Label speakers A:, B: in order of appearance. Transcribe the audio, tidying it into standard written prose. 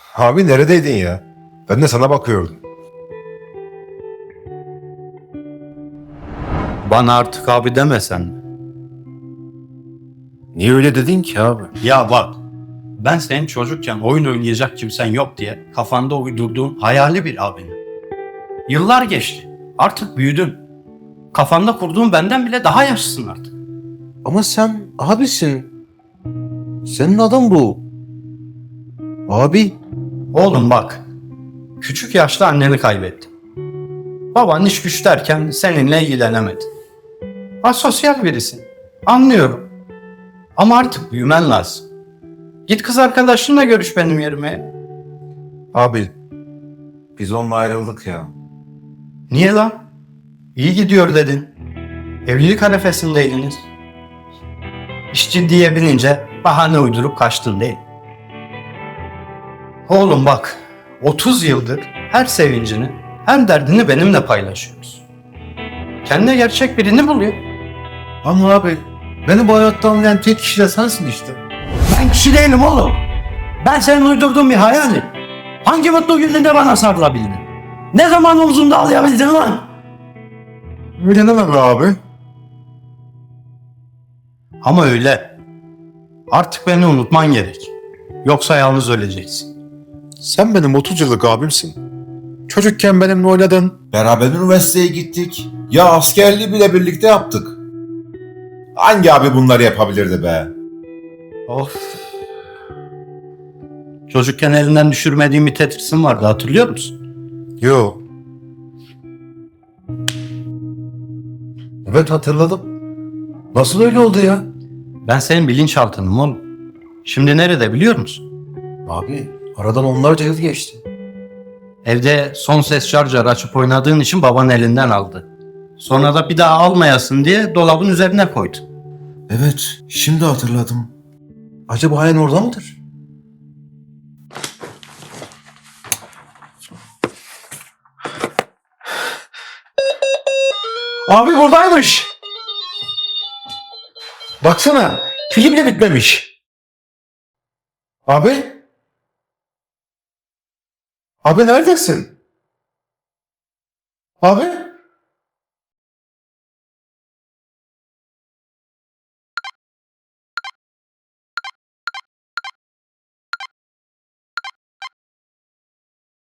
A: Abi neredeydin ya? Ben de sana bakıyordum.
B: Bana artık abi demesen mi?
A: Niye öyle dedin ki abi?
B: Ya bak, ben senin çocukken oyun oynayacak kimsen yok diye kafanda uydurduğun hayali bir abinim. Yıllar geçti. Artık büyüdün. Kafanda kurduğun benden bile daha yaşlısın artık.
A: Ama sen abisin. Senin adın bu. Abi.
B: Oğlum bak, küçük yaşta anneni kaybettin. Baban iş güç derken seninle ilgilenemedi. Asosyal birisin. Anlıyorum. Ama artık büyümen lazım. Git kız arkadaşınla görüş benim yerime.
A: Abi. Biz onunla ayrıldık ya.
B: Niye lan? İyi gidiyor dedin. Evlilik arifesindeydiniz. İş ciddiye binince bahane uydurup kaçtın değil. Oğlum bak, 30 yıldır her sevincini, her derdini benimle paylaşıyoruz. Kendine gerçek birini buluyor.
A: Ama abi. Beni bu hayatta anlayan tek kişi de sensin işte.
B: Ben kişi değilim oğlum. Ben senin uydurduğun bir hayalim. Hangi mutlu gününde bana sarılabildin? Ne zaman omzumda ağlayabildin lan?
A: Öyle deme be abi.
B: Ama öyle. Artık beni unutman gerek. Yoksa yalnız öleceksin.
A: Sen benim 30 yıllık abimsin. Çocukken benimle oynadın.
C: Beraber üniversiteye gittik. Ya askerliği bile birlikte yaptık. Hangi abi bunları yapabilirdi be?
B: Of. Çocukken elinden düşürmediğim bir tetrisim vardı, hatırlıyor musun?
A: Yo. Evet hatırladım. Nasıl öyle oldu ya?
B: Ben senin bilinçaltınım oğlum. Şimdi nerede biliyor musun?
A: Abi aradan onlarca yıl geçti.
B: Evde son ses şarjör açıp oynadığın için baban elinden aldı. Sonra da bir daha almayasın diye dolabın üzerine koydu.
C: Evet, şimdi hatırladım.
A: Acaba hayan orada mıdır? Abi buradaymış. Baksana film de bitmemiş. Abi? Abi neredesin? Abi?